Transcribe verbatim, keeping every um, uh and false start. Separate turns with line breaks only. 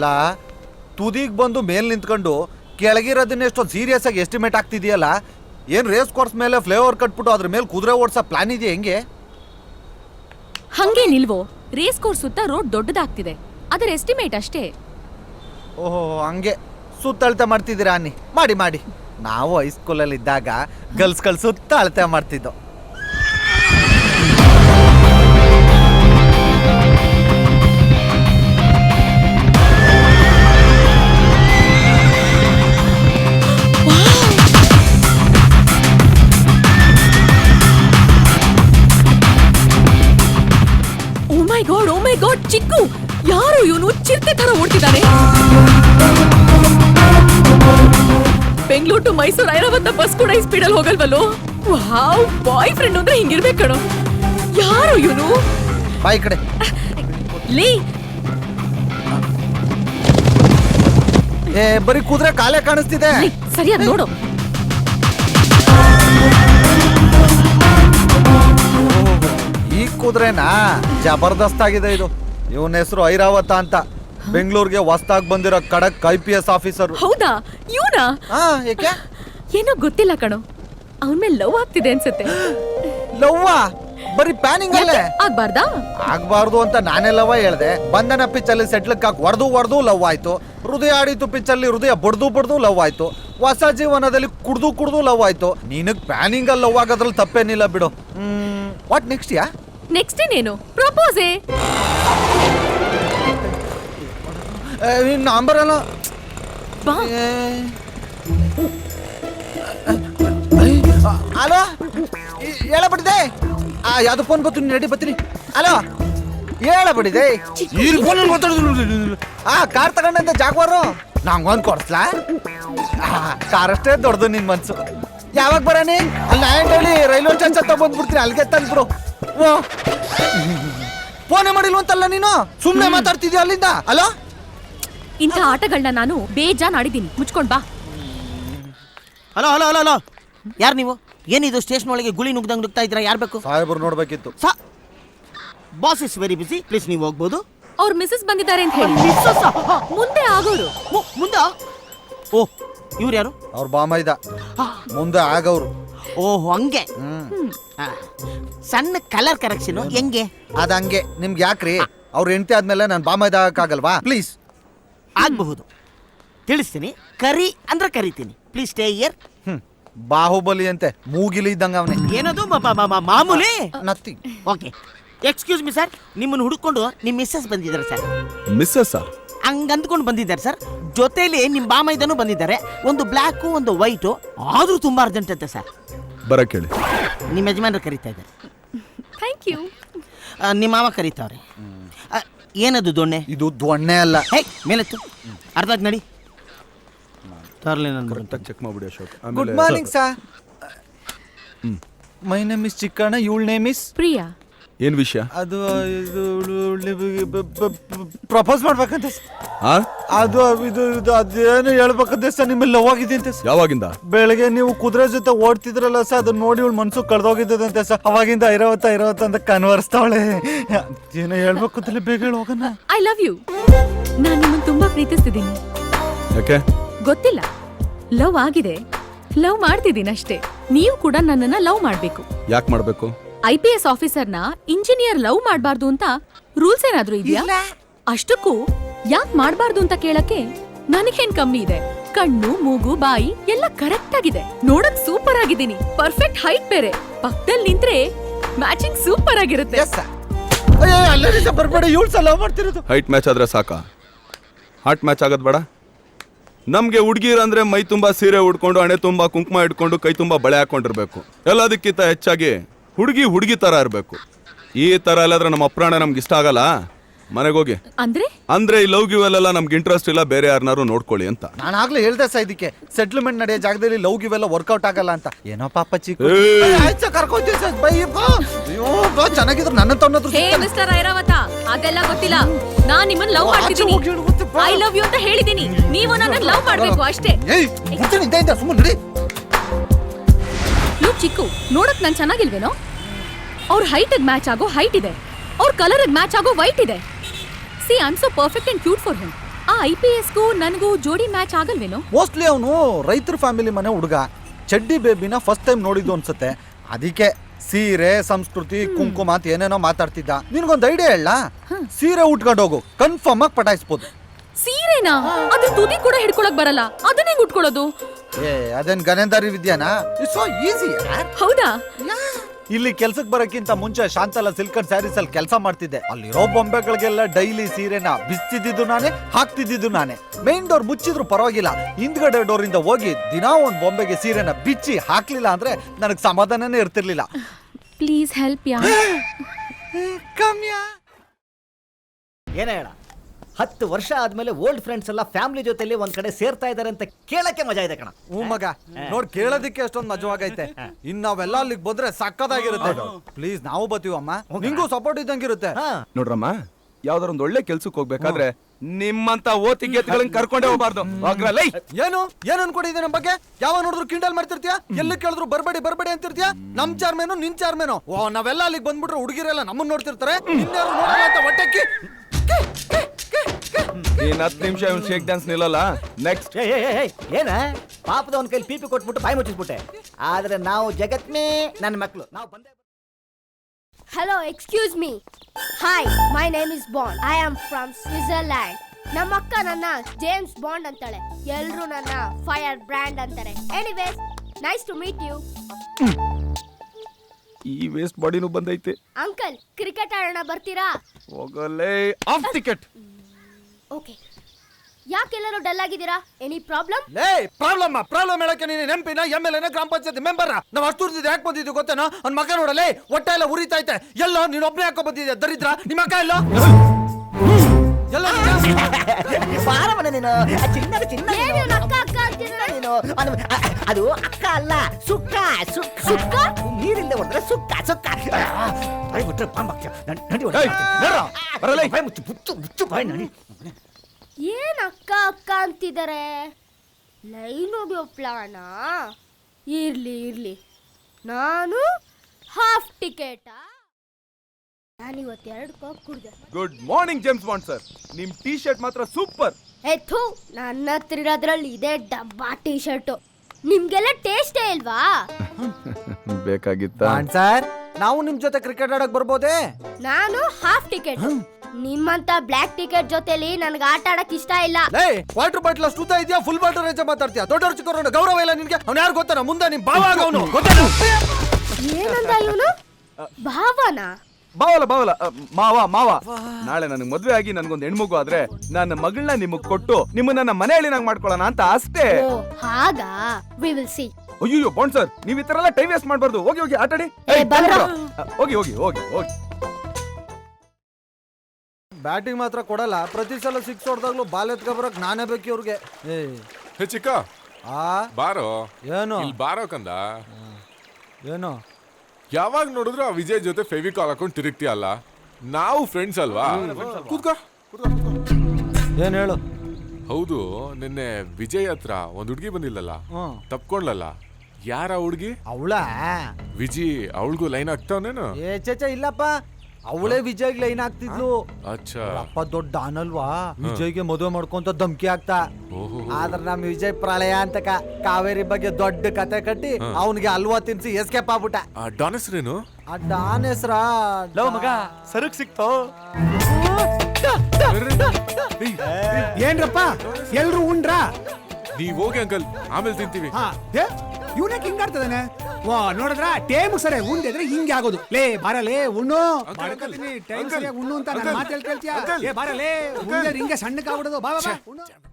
ಅಲ್ಲ ತುದಿಗ್ ಬಂದು ಮೇಲ್ ನಿಂತ್ಕೊಂಡು ಕೆಳಗಿರೋದನ್ನ ಎಷ್ಟೊಂದು ಸೀರಿಯಸ್ ಆಗಿ ಎಸ್ಟಿಮೇಟ್ ಆಗ್ತಿದೆಯಲ್ಲ. ಏನ್ ರೇಸ್ ಕೋರ್ಸ್ ಮೇಲೆ ಫ್ಲೇವರ್ ಕಟ್ಬಿಟ್ಟು ಅದ್ರ ಮೇಲೆ ಕುದುರೆ ಓಡಿಸೋ ಪ್ಲಾನ್ ಇದೆಯಾ ಹೆಂಗೆ?
ಹಂಗೆ ನಿಲ್ವೋ, ರೇಸ್ ಕೋರ್ಸ್ ಸುತ್ತ ರೋಡ್ ದೊಡ್ಡದಾಗ್ತಿದೆ, ಅದರ ಎಸ್ಟಿಮೇಟ್ ಅಷ್ಟೇ.
ಓಹೋ ಹಂಗೆ ಸುತ್ತ ಮಾಡ್ತಿದ್ದೀರಾ ಅನ್ನಿ. ಮಾಡಿ ಮಾಡಿ. ನಾವು ಹೈಸ್ಕೂಲಲ್ಲಿ ಇದ್ದಾಗ ಗರ್ಲ್ಸ್ಗಳು ಸುತ್ತ ಅಳತೆ ಮಾಡ್ತಿದ್ದೋ.
ಗಾಡ್ ಓ ಮೈ ಗಾಡ್, ಚಿಕ್ಕು ಯಾರು ಇವನು? ಚಿರತೆ ತರ ಓಡ್ತಿದ್ದಾನೆ. ಬೆಂಗಳೂರು ಟು ಮೈಸೂರು ಐರಾವತ ಬಸ್ ಕೂಡ ಈ ಸ್ಪೀಡಲ್ಲಿ ಹೋಗಲ್ವಲ್ಲೋ. ವಾವ್, ಬಾಯ್ ಫ್ರೆಂಡ್ ಅಂದ್ರೆ ಹಿಂಗಿರ್ಬೇಕು ಕಣೋ. ಯಾರು ಇವನು?
ಬಾಯ್ ಕಡೆ
ಲೇ,
ಏ ಬರೀ ಕುದುರೆ ಕಾಲೇ ಕಾಣಿಸ್ತಿದೆ.
ಸರಿಯಾಗಿ ನೋಡು.
ಈ ಕುದುರೆನಾ ಜಬರ್ದಸ್ತ್ ಆಗಿದೆ ಇದು. ಇವನ ಹೆಸರು ಐರಾವತ ಅಂತ, ಬೆಂಗಳೂರಿಗೆ ಹೊಸ್ತಾಗಿ ಬಂದಿರೋ ಖಡಕ್ ಐ ಪಿ ಎಸ್ ಆಫೀಸರ್.
ಹೌದಾ? ಇವನಾ?
ಹಾ, ಏಕೆ?
ಏನೋ ಗೊತ್ತಿಲ್ಲ ಕಣೋ, ಅವನ ಮೇಲೆ ಲವ್ ಆಗ್ತಿದೆ ಅನ್ಸುತ್ತೆ.
ಲವ್ವಾ? ಬರೀ ಪ್ಯಾನಿಂಗ್ ಅಲ್ಲೇ
ಆಗ್ಬಾರ್ದಾ?
ಆಗ್ಬಾರ್ದು ಅಂತ ನಾನೇ ಲವ್ ಹೇಳ್ದೆ. ಬಂಧನ ಪಿಚ್ಚಲ್ಲಿ ಸೆಟ್ಲಕ್ ಹಾಕಿ ಹೊಡೆದು ಹೊಡೆದು ಲವ್ ಆಯ್ತು. ಹೃದಯ ಆಡಿತು ಪಿಚ್ಚಲ್ಲಿ ಹೃದಯ ಬಡ್ದು ಬಡ್ದು ಲವ್ ಆಯ್ತು. ಹೊಸ ಜೀವನದಲ್ಲಿ ಕುಡ್ದು ಕುಡ್ದು ಲವ್ ಆಯ್ತು. ನಿನಗ್ ಪ್ಯಾನಿಂಗ್ ಅಲ್ಲಿ ಲವ್ ಆಗೋದ್ರಲ್ಲಿ ತಪ್ಪೇನಿಲ್ಲ ಬಿಡು. Hmm, what next? ಯಾ
ನೆಕ್ಸ್ಟ್ ಇನ್ನೇನು? ಪ್ರಪೋಸೇ.
ನಂಬರ್ ಅಲ್ಲ
ಬಾ.
ಹಲೋ, ಹೇಳಬಿಟ್ಟಿದೆ. ಯಾವ್ದು ಫೋನ್ ಗೊತ್ತು? ರೆಡಿ ಬರ್ತೀನಿ. ಹಲೋ, ಹೇಳಬಿಟ್ಟಿದೆ. ಆ ಕಾರ್ ತಗೊಂಡಂತ ಜಾಗ್ವಾರು ನಂಗೊಂದು ಕೊಡ್ಸ್ಲಾ? ಕಾರ್ ಅಷ್ಟೇ ದೊಡ್ಡದು ನಿನ್ ಮನ್ಸು. ಯಾವಾಗ ಬರಾನಿ? ಅಲ್ಲಿ ನಾಯಂಡಳ್ಳಿ ರೈಲ್ವೆ ಸ್ಟೇಷನ್ ಹತ್ರ ಬಂದ್ಬಿಡ್ತೀನಿ. ಅಲ್ಲಿಗೆ ತಂದ್ಬಿಡು. ಫೋನೇ ಮಾಡಿಲ್ವಂತಲ್ಲ ನೀನು, ಸುಮ್ನೆ ಮಾತಾಡ್ತಿದ್ಯಾ ಅಲ್ಲಿಂದ. ಹಲೋ,
ಇಂಥ ಆಟಗಳನ್ನ ನಾನು ಬೇಜಾನ್ ಆಡಿದ್ದೀನಿ. ಮುಚ್ಕೊಂಡ್ ಬಾ.
ಹಲೋ ಹಲೋ ಹಲೋ ಹಲೋ, ಯಾರು ನೀವು? ಏನಿದು ಸ್ಟೇಷನ್ ಒಳಗೆ ಗುಳಿ ನುಗ್ದಂಗ್ ನುಗ್ತಾ ಇದ್ದೀರಾ? ಯಾರು ಬೇಕು?
ಸಾಹೇಬ್ರು ನೋಡ್ಬೇಕಿತ್ತು.
ಸಾ boss is very busy, please ನೀವು ಹೋಗ್ಬೋದು.
ಅವ್ರ ಮಿಸಸ್ ಬಂದಿದ್ದಾರೆ ಅಂತ ಹೇಳಿ. ಮುಂದೆ ಆಗೋರು.
ಮುಂದೆ? ಓ, ಇವ್ರು ಯಾರು?
ಅವ್ರ ಬಾಮೈದ ಮುಂದೆ ಆಗವ್ರು.
ಓಹ್ ಹಂಗೆ. ಸಣ್ಣ ಕಲರ್ ಕರೆಕ್ಷನ್ ಹೆಂಗೆ?
ಅದ ಹಂಗೆ. ನಿಮ್ಗೆ ಯಾಕ್ರಿ? ಅವ್ರ ಹೆಂಡತಿ ಆದ್ಮೇಲೆ ನಾನು ಬಾಮೈದ ಆಗಲ್ವಾ? ಪ್ಲೀಸ್.
ಆಗಬಹುದು, ತಿಳಿಸ್ತೀನಿ. ಕರಿ ಅಂದ್ರೆ ಕರಿತೀನಿ. Please stay here.
ಹ್ಮ್, ಬಾಹುಬಲಿ ಅಂತೆ ಮೂಗಿಲಿ ಇದ್ದಂಗ ಅವನೇ.
ಏನದು ಮಾಮೂಲಿ?
Nothing.
Okay, excuse me sir, ನಿಮ್ಮನ್ನು ಹುಡುಕೊಂಡು ನಿಮ್ಮ ಮಿಸ್ಸಸ್ ಬಂದಿದ್ದಾರೆ ಸರ್.
ಮಿಸ್ಸಸ್
ಹಂಗ ಅಂದ್ಕೊಂಡು ಬಂದಿದ್ದಾರೆ ಸರ್. ಜೊತೆಲಿ ನಿಮ್ಮ ಬಾಮೈದನು ಬಂದಿದ್ದಾರೆ. ಒಂದು ಬ್ಲ್ಯಾಕು ಒಂದು ವೈಟು, ಆದ್ರೂ ತುಂಬಾ ಅರ್ಜೆಂಟ್ ಅಂತೆ ಸರ್.
ಬರಕ್ಕೆ ಹೇಳಿ.
ನಿಮ್ಮ ಯಜಮಾನರು ಕರೀತಾ ಇದ್ದಾರೆ.
Thank you.
ನಿಮ್ಮ ಮಾವ ಕರೀತಾವ್ರೆ. ಏನದು ದೊಣ್ಣೆ?
ಇದು ದೊಣ್ಣೆ ಅಲ್ಲ.
ಹೇ, ಮೇಲೆತ್ತು. ಅರ್ಧ ನಡಿ. ತರ್ಲಿ ನನ್ನ
ಚೆಕ್ ಮಾಡ್ಬಿಡಿ Ashok.
Good morning sir. My name is Chikkanna, ಇವಳ ನೇಮ್ ಇಸ್
ಪ್ರಿಯಾ.
ಏನ್ ವಿಷಯ?
ಅದು ಪ್ರಪೋಸ್ ಮಾಡ್ಬೇಕಂತೆ. ಅದು ಇದು ಅದೇನು ಹೇಳ್ಬೇಕಂತೆ ಸರ್. ನಿಮ್ಮಲ್ಲಿ ಲವ್ ಆಗಿದ್ದಂತೆ ಸರ್.
ಯಾವಾಗಿಂದ?
ಬೆಳಗ್ಗೆ ನೀವು ಕುದುರೆ ಜೊತೆ ಓಡ್ತಿದ್ರಲ್ಲ ಸರ್, ಅದನ್ನ ನೋಡಿ ಇವಳು ಮನ್ಸು ಕಳ್ದೋಗಿದ್ದಂತೆ ಸರ್. ಅವಾಗಿಂದ ಐರಾವತ ಐರಾವತ ಅಂತ ಕನ್ವರ್ಸ್ತಾವಳೆ. ಏನೋ ಹೇಳ್ಬೇಕು ಅಂತಲೇ ಬೇಗ ಹೇಳಿ ಹೋಗೋಣ.
I love you. ನಾನು ನಿಮ್ಮನ್ನು ತುಂಬಾ ಪ್ರೀತಿಸ್ತಿದ್ದೀನಿ.
ಯಾಕೆ?
ಗೊತ್ತಿಲ್ಲ, ಲವ್ ಆಗಿದೆ. ಲವ್ ಮಾಡ್ತಿದ್ದೀನಿ ಅಷ್ಟೇ. ನೀವು ಕೂಡ ನನ್ನನ್ನ ಲವ್ ಮಾಡ್ಬೇಕು.
ಯಾಕೆ ಮಾಡ್ಬೇಕು?
ಐ ಪಿ ಎಸ್ ಆಫೀಸರ್ನ ಇಂಜಿನಿಯರ್ ಲವ್ ಮಾಡಬಾರ್ದು ಅಂತ ರೂಲ್ಸ್ ಏನಾದ್ರೂ ಇದೆಯಾ? ಅಷ್ಟಕ್ಕೂ ಯಾಕೆ ಮಾಡಬಾರ್ದು ಅಂತ ಕೇಳಕ್ಕೆ ನನಗೇನ್ ಕಮ್ಮಿ ಇದೆ? ಕಣ್ಣು, ಮೂಗು, ಬಾಯಿ ಎಲ್ಲ ಕರೆಕ್ಟ್ ಆಗಿದೆ. ನೋಡಕ್ ಸೂಪರ್ ಆಗಿದ್ದೀನಿ. ಪರ್ಫೆಕ್ಟ್ ಹೈಟ್ ಬೇರೆ. ಪಕ್ಕದಲ್ಲಿ ನಿಂತ್ರೆ ಮ್ಯಾಚಿಂಗ್ ಸೂಪರ್ ಆಗಿರುತ್ತೆ.
ಹೈಟ್ ಮ್ಯಾಚ್ ಆದ್ರೆ ಸಾಕಾ? ಹಾರ್ಟ್ ಮ್ಯಾಚ್ ಆಗೋದ್ ಬೇಡ? ನಮ್ಗೆ ಹುಡುಗಿರ ಅಂದ್ರೆ ಮೈ ತುಂಬಾ ಸೀರೆ ಉಡ್ಕೊಂಡು, ಹಣೆ ತುಂಬಾ ಕುಂಕುಮ ಇಟ್ಕೊಂಡು, ಕೈ ತುಂಬಾ ಬಳೆ ಹಾಕೊಂಡಿರ್ಬೇಕು. ಎಲ್ಲದಕ್ಕಿಂತ ಹೆಚ್ಚಾಗಿ ಹುಡುಗಿ ಹುಡುಗಿ ತರ ಇರ್ಬೇಕು. ಈ ತರ ಎಲ್ಲಾದ್ರೆ ನಮ್ಮ ಅಪ್ರಾಣ ನಮ್ಗೆ ಇಷ್ಟ ಆಗಲ್ಲ. ಮನೆಗೆ ಹೋಗಿ.
ಅಂದ್ರೆ
ಅಂದ್ರೆ ಈ ಲವ್ ಗಿವ್ ಎಲ್ಲ ನಮ್ಗೆ ಇಂಟ್ರೆಸ್ಟ್ ಇಲ್ಲ, ಬೇರೆ ಯಾರನ್ನಾರು ನೋಡ್ಕೊಳ್ಳಿ ಅಂತ.
ನಾನು ಆಗ್ಲೇ ಹೇಳ್ದೆ ಸರ್, ಇದಕ್ಕೆ ಸೆಟ್ಲ್ಮೆಂಟ್ ನಡೆಯೋ ಜಾಗದಲ್ಲಿ ಲವ್ ಗಿವ್ ಎಲ್ಲ ವರ್ಕೌಟ್ ಆಗಲ್ಲ ಅಂತ. ಏನೋ ಪಾಪ ಚಿಕ್ಕ ಕರ್ಕೊಂತೀವಿ ಸರ್. ಬೈ ಚೆನ್ನಾಗಿದ್ರು ನನ್ನ ತನ್ನದ್ರು.
ಹೇ ಮಿಸ್ಟರ್ ಐರಾವತ, ಅದೆಲ್ಲ ಗೊತ್ತಿಲ್ಲ. ನಾನ್ ನಿಮ್ಮನ್ನ ಲವ್ ಮಾಡ್ತಿದ್ದೀನಿ. ಐ ಲವ್ ಯು ಅಂತ ಹೇಳಿದೀನಿ. ನೀವು ನನ್ನ ಲವ್ ಮಾಡ್ಬೇಕು ಅಷ್ಟೇ.
ಸುಮ್ಮನೆ
ಲೋ ಚಿಕ್ಕು, ನೋಡಕ್ ನಾನ್ ಚೆನ್ನಾಗಿಲ್ವೇನೋ? ಅವ್ರ ಹೈಟ್ ಮ್ಯಾಚ್ ಆಗೋ ಹೈಟ್ ಇದೆ, ಅವ್ರ ಕಲರ್ ಮ್ಯಾಚ್ ಆಗೋ ವೈಟ್ ಇದೆ. See I am so perfect and cute for him. ಆ ಐ ಪಿ ಎಸ್ಗೂ ನನಗೂ ಜೋಡಿ ಮ್ಯಾಚ್ ಆಗಲ್ವೇನೋ?
ಮೋಸ್ಟ್ಲಿ ಅವನು ರೈತರ ಫ್ಯಾಮಿಲಿ ಮನೆ ಹುಡುಗ, ಚಡ್ಡಿ ಬೇಬಿನ ಫಸ್ಟ್ ಟೈಮ್ ನೋಡಿದ್ದು ಅನ್ಸುತ್ತೆ. ಅದಕ್ಕೆ ಸೀರೆ, ಸಂಸ್ಕೃತಿ, ಕುಂಕುಮ ಅಂತ ಏನೇನೋ ಮಾತಾಡ್ತಿದ್ದ. ನಿನ್ಗೊಂದು ಐಡಿಯಾ ಹೇಳ, ಸೀರೆ ಉಟ್ಕೊಂಡು ಹೋಗು, ಕನ್ಫರ್ಮ್ ಆಗಿ ಪಟಾಯಿಸ್ಬೋದು.
ಸೀರೆನಾ? ಅದ್ರ ತುದಿ ಕೂಡ ಹಿಡ್ಕೊಳಕ್ ಬರಲ್ಲ, ಅದನ್ನ ಹೆಂಗ್ ಉಟ್ಕೊಳ್ಳೋದು?
ಏ ಅದೇನ್ ಗಣೇಂದಾರಿ ವಿದ್ಯಾನಾ? It's so easy.
ಹೌದಾ?
ಇಲ್ಲಿ ಕೆಲ್ಸಕ್ಕೆ ಬರಕ್ಕಿಂತ ಮುಂಚೆ ಶಾಂತಲ ಸಿಲ್ಕ್ ಅಂಡ್ ಸ್ಯಾರೀಸ್ ಅಲ್ಲಿ ಕೆಲಸ ಮಾಡ್ತಿದ್ದೆ. ಅಲ್ಲಿರೋ ಬೊಂಬೆಗಳಿಗೆಲ್ಲ ಡೈಲಿ ಸೀರೆನ ಬಿಚ್ತಿದ್ದು ನಾನೇ, ಹಾಕ್ತಿದ್ದು ನಾನೇ. ಮೇನ್ ಡೋರ್ ಮುಚ್ಚಿದ್ರು ಪರವಾಗಿಲ್ಲ, ಹಿಂದ್ಗಡೆ ಡೋರ್ ಇಂದ ಹೋಗಿ ದಿನಾ ಒಂದ್ ಬೊಂಬೆಗೆ ಸೀರೆನ ಬಿಚ್ಚಿ ಹಾಕ್ಲಿಲ್ಲ ಅಂದ್ರೆ ನನಗ್ ಸಮಾಧಾನನೇ ಇರ್ತಿರ್ಲಿಲ್ಲ.
ಪ್ಲೀಸ್ ಹೆಲ್ಪ್ ಯಾ.
ಕಮ್ಯಾ
ಏನ ಹೇಳ, ಹತ್ತು ವರ್ಷ ಆದ್ಮೇಲೆ ಓಲ್ಡ್ ಫ್ರೆಂಡ್ಸ್ ಎಲ್ಲ ಫ್ಯಾಮಿಲಿ ಜೊತೆಲಿ ಒಂದ್ ಕಡೆ ಸೇರ್ತಾ ಇದಾರೆ ಅಂತ ಕೇಳಕ್ಕೆ ಮಜಾ ಇದೆ ಕಣ.
ಹ್ಞೂ ಮಗ, ನೋಡ್ ಕೇಳೋದಿಕ್ಕೆ ಎಷ್ಟೊಂದ್ ಮಜವಾಗೈತೆ. ಇನ್ ನಾವೆಲ್ಲ ಅಲ್ಲಿಗೆ ಬಂದ್ರೆ ಸಕ್ಕದಾಗಿರುತ್ತೆ. ಪ್ಲೀಸ್ ನಾವು ಬತ್ತೀವಮ್ಮ, ನಿಂಗೂ ಸಪೋರ್ಟ್ ಇದ್ದಂಗಿರುತ್ತೆ.
ನೋಡ್ರಮ್ಮ, ಯಾವ್ದಾರ ಒಂದ್ ಒಳ್ಳೆ ಕೆಲ್ಸಕ್ಕೆ ಹೋಗ್ಬೇಕಾದ್ರೆ ನಿಮ್ಮಂತ ಓತಿ ಗೆತ್ಗಳನ್ನ ಕರ್ಕೊಂಡೇ ಹೋಗ್ಬಾರ್ದು. ಹೋಗ್ರಲ್ಲ.
ಏನು ಏನ್ ಅನ್ಕೊಂಡಿದ್ದೆ ನಮ್ ಬಗ್ಗೆ? ಯಾವ ನೋಡಿದ್ರು ಕಿಂಡಲ್ ಮಾಡ್ತಿರ್ತೀಯ, ಎಲ್ಲಿ ಕೇಳಿದ್ರು ಬರ್ಬೇಡಿ ಬರ್ಬೇಡಿ ಅಂತಿರ್ತೀಯ. ನಮ್ ಚಾರ್ಮೇನು ನಿನ್ ಚಾರ್ಮೇನು? ಓ ನಾವೆಲ್ಲ ಅಲ್ಲಿಗೆ ಬಂದ್ಬಿಟ್ರೆ ಹುಡುಗಿರೆಲ್ಲ ನಮ್ಮನ್ನ ನೋಡ್ತಿರ್ತಾರೆ, ಇನ್ಯಾರು ನೋಡಲ್ಲ ಅಂತ ಹೊಟ್ಟೆಕ್ಕಿ.
ನೀನ್ ಹತ್ತು ನಿಮಿಷ ಶೇಕ್ ಡ್ಯಾನ್ಸ್ ನಿಲ್ಲಲ್ಲ. ನೆಕ್ಸ್ಟ್
ಏನ ಪಾಪದ ಒಂದ್ ಕೈಲಿ ಪೀಪಿ ಕೊಟ್ಬಿಟ್ಟು ಬಾಯಿ ಮುಚ್ಚಿಸ್ಬಿಟ್ಟೆ. ಆದ್ರೆ ನಾವು ಜಗತ್ನೇ ನನ್ನ ಮಕ್ಕಳು, ನಾವು ಬಂದೇ.
Hello, excuse me. Hi, my name is Bond. I am from Switzerland. ನಮ್ಮ ಅಕ್ಕ ನನ್ನ ಜೇಮ್ಸ್ ಬಾಂಡ್ ಅಂತಾಳೆ, ಎಲ್ರು ನನ್ನ ಫೈರ್ ಬ್ರ್ಯಾಂಡ್ ಅಂತಾರೆ. Anyways, nice to meet you.
ಈ ವೇಸ್ಟ್ ಬಾಡಿನೂ ಬಂದೈತೆ.
ಅಂಕಲ್, ಕ್ರಿಕೆಟ್ ಆಡೋಣ ಬರ್ತೀರಾ?
ಹೋಗಲೇ ಆಫ್ ಟಿಕೆಟ್.
ಓಕೆ. ಯಾಕೆಲ್ಲರೂ ಡಲ್ ಆಗಿದ್ದೀರಾ? Any problem?
ಲೇ ಪ್ರಾಬ್ಲಮ್ ಪ್ರಾಬ್ಲಮ್ ಹೇಳಕ್ಕೆ ನೀನು ನೆಂಪಿನ ಎಮ್ ಎಲ್ ಎನ ಗ್ರಾಮ ಪಂಚಾಯತ್ ಮೆಂಬರ್ ನಾವು ಅಷ್ಟು ಉರ್ದಿದ್ದು ಯಾಕೆ ಬಂದಿದ್ದು ಗೊತ್ತೇನೋ? ಅವ್ನ ಮಗ ನೋಡಲೇ ಹೊಟ್ಟೆ ಎಲ್ಲ ಉರಿತೈತೆ. ಎಲ್ಲೋ ನೀನು ಒಬ್ಬನೇ ಹಾಕೋ ಬಂದಿದ್ದೆ ದರಿದ್ರ. ನಿಮ್ಮ ಅಕ್ಕ ಎಲ್ಲೋ ಎಲ್ಲ
ಬಾರವನ ನೀನು ಚಿನ್ನದ ಚಿನ್ನ
ಏನು ಅಕ್ಕ ಅಕ್ಕ ಅಂತಿದ್ದೀರಾ?
ನೀನು ಅದು- ಅದು ಅಕ್ಕ ಅಲ್ಲ, ಸುಕ್ಕ ಸುಕ್ಕ ಸುಕ್ಕ ನೀರಿಂದ ಹೊಡೆದ್ರೆ ಸುಕ್ಕ ಸುಕ್ಕ ಬಾಯಿ ಬಿಟ್ರೆ ಪಾಂಬಾಕ್ಯ ನಡಿ
ಬರಲೇ.
ಬಾಯಿ ಮುಚ್ಚು ಮುಚ್ಚು ಮುಚ್ಚು ಬಾಯಿ ನಡಿ.
ಏನ್ ಅಕ್ಕ ಅಕ್ಕ ಅಂತಿದ್ದಾರೆ? ಲೈನ್ ಹೊಡಿಯೋ ಪ್ಲಾನ? ಇರ್ಲಿ ಇರ್ಲಿ, ನಾನು ಹಾಫ್ ಟಿಕೆಟಾ? ನಾನಿವತ್ತು ಎರಡು ಕಾಪ್ ಕುಡ್ದೆ.
Good morning James Bond sir, ನಿಮ್ ಟೀ ಶರ್ಟ್ ಮಾತ್ರ ಸೂಪರ್.
ಎಥು, ನನ್ನ ಹತ್ರ ಇರೋದ್ರಲ್ಲಿ ಇದೆ ಡಬ್ಬಾ ಟೀ ಶರ್ಟು. ನಿಮ್ಗೆಲ್ಲ ಟೇಸ್ಟೇ ಇಲ್ವಾ?
ಬೇಕಾಗಿತ್ತ
ಸರ್, ನಾವು ನಿಮ್ ಜೊತೆ ಕ್ರಿಕೆಟ್ ಆಡಕ್ ಬರ್ಬೋದೇ?
ನಾನು ಹಾಫ್ ಟಿಕೆಟ್. ನಿಮ್ಮಂತ ಬ್ಲ್ಯಾಕ್ ಟಿಕೆಟ್ ಜೊತೆಲಿ ನನ್ಗೆ ಆಟ ಆಡಕ್ ಇಷ್ಟ ಇಲ್ಲ.
ಲೇ ವಾಟರ್ ಬಾಟ್ಲ್ ಅಷ್ಟು ಉದ್ದ ಇದೆಯಾ, ಫುಲ್ ಬಾಟಲ್ ರೇಂಜ್ ಮಾತಾಡ್ತೀಯಾ? ದೊಡ್ಡವ್ರ ಚಿಕ್ಕವ್ರ ಗೌರವ ಇಲ್ಲ ನಿನ್ಗೆ? ಅವ್ನು ಯಾರು ಗೊತ್ತಾನ? ಮುಂದೆ ನಿಮ್ ಭಾವ ಅವನು ಗೊತ್ತೇನು?
ಏನಂದ ಇವನು? ಭಾವನಾ?
ಬಾವಲ ಬಾವಲ ಅ, ಮಾವ ಮಾವ. ನಾಳೆ ನನಗೆ ಮದ್ವೆ ಆಗಿ ನನ್ಗೊಂದು ಹೆಣ್ಮಗು ಆದ್ರೆ ನನ್ನ ಮಗಳನ್ನ ನಿಮಗ್ ಕೊಟ್ಟು ನಿಮ್ಮನ್ನ ನನ್ನ ಮನೆ ಹೇಳಿನಾಗ ಮಾಡ್ಕೊಳ್ಳೋಣ ಅಂತ ಅಷ್ಟೇ.
ಓ ಹಾಗಾ? We will see.
ಅಯ್ಯೋ ಬಾಂಡ್ ಸರ್, ನೀವ್ ಈ ತರ ಎಲ್ಲ ಟೈಮ್ ವೇಸ್ಟ್ ಮಾಡ್ಬಾರ್ದು. ಹೋಗಿ ಹೋಗಿ ಆಟಾಡಿ.
ಏ, ಬಂದ್ರು.
ಹೋಗಿ ಹೋಗಿ ಹೋಗಿ ಹೋಗಿ.
ಬ್ಯಾಟಿಂಗ್ ಮಾತ್ರ ಕೊಡಲ್ಲ, ಪ್ರತಿ ಸಲ ಸಿಕ್ಸ್ ಹೊಡೆದಾಗ್ಲೂ ಬಾಲ್ ಎತ್ಕೊಬರಕ್ ನಾನೇ ಬೇಕು ಇವ್ರಿಗೆ. ಏ
ಹೇ ಚಿಕ್ಕ,
ಆ
ಬಾರೋ.
ಏನು
ಇಲ್ಲಿ ಬಾರೋ ಕಂದ.
ಏನು
ಯಾವಾಗ ನೋಡಿದ್ರು ಆ ವಿಜಯ್ ಜೊತೆ ಫೆವಿಕಾಲ್ ಹಾಕೊಂಡು ತಿರುಗ್ತೀಯಲ್ಲ, ನಾವು ಫ್ರೆಂಡ್ಸ್ ಅಲ್ವಾ? ಕೂತ್ಕೋ.
ಏನ್ ಹೇಳು?
ಹೌದು, ನಿನ್ನೆ ವಿಜಯ್ ಹತ್ರ ಒಂದ್ ಹುಡ್ಗಿ ಬಂದಿಲ್ಲಲ್ಲ,
ಹ್ಮ್
ತಪ್ಕೊಂಡ್ಲಲ್ಲ, ಯಾರ ಹುಡ್ಗಿ?
ಅವಳ
ವಿಜಿ, ಅವಳಿಗೂ ಲೈನ್ ಆಗ್ತಾವನೇನು?
ಏ ಚೇಚ ಇಲ್ಲಪ್ಪ, ಅವಳೇ ವಿಜಯ್ಗೆ ಲೈನ್ ಆಗ್ತಿದ್ಲು.
ಅಚ್ಚಾ.
ಅಪ್ಪ ದೊಡ್ಡ ಡಾನ್ ಅಲ್ವಾ, ವಿಜಯ್ಗೆ ಮದುವೆ ಮಾಡ್ಕೊಂತ ಧಮ್ಕಿ ಆಗ್ತಾ.
ಓಹೋ.
ಆದ್ರ ನಮ್ ವಿಜಯ್ ಪ್ರಳಯ ಅಂತ ಕಾವೇರಿ ಬಗ್ಗೆ ದೊಡ್ಡ ಕತೆ ಕಟ್ಟಿ ಅವನಿಗೆ ಅಲ್ವಾ ತಿನ್ಸಿ ಎಸ್ಕೇಪ್ ಆಗ್ಬಿಟ್ಟ.
ಆ ಡಾನ್ ಹೆಸ್ರೇನು?
ಆ ಡಾನ್ ಹೆಸ್ರ
ಲವ್ ಮಗ ಸರಕ್ ಸಿಕ್ತೋ.
ಏನ್ರಪ್ಪ ಎಲ್ರು ಉಂಡ್ರಾ?
ನೀವ್ ಹೋಗಿ ಅಂಕಲ್, ಆಮೇಲೆ ತಿಂತೀವಿ.
ಇವನೇ ಹಿಂಗಾಡ್ತದಾನೆ. ವಾ ನೋಡಿದ್ರ ಟೇಮ್ ಸರಿ ಉಂಡಿದ್ರೆ ಹಿಂಗೆ ಆಗೋದು. ಲೇ ಬಾರಲೇ ಉಣ್ಣು, ಟೈಮ್ ಸರಿಯಾಗಿ ಉಣ್ಣು ಅಂತ ನನ್ನ ಮಾತು ಕೇಳ್ತೀಯ? ಏ ಬಾರಲೇ, ಹಿಂಗೆ ಸಣ್ಣಕ್ಕಾಗ್ಬಿಡೋದು. ಬಾ ಬಾ ಉಣ್ಣು.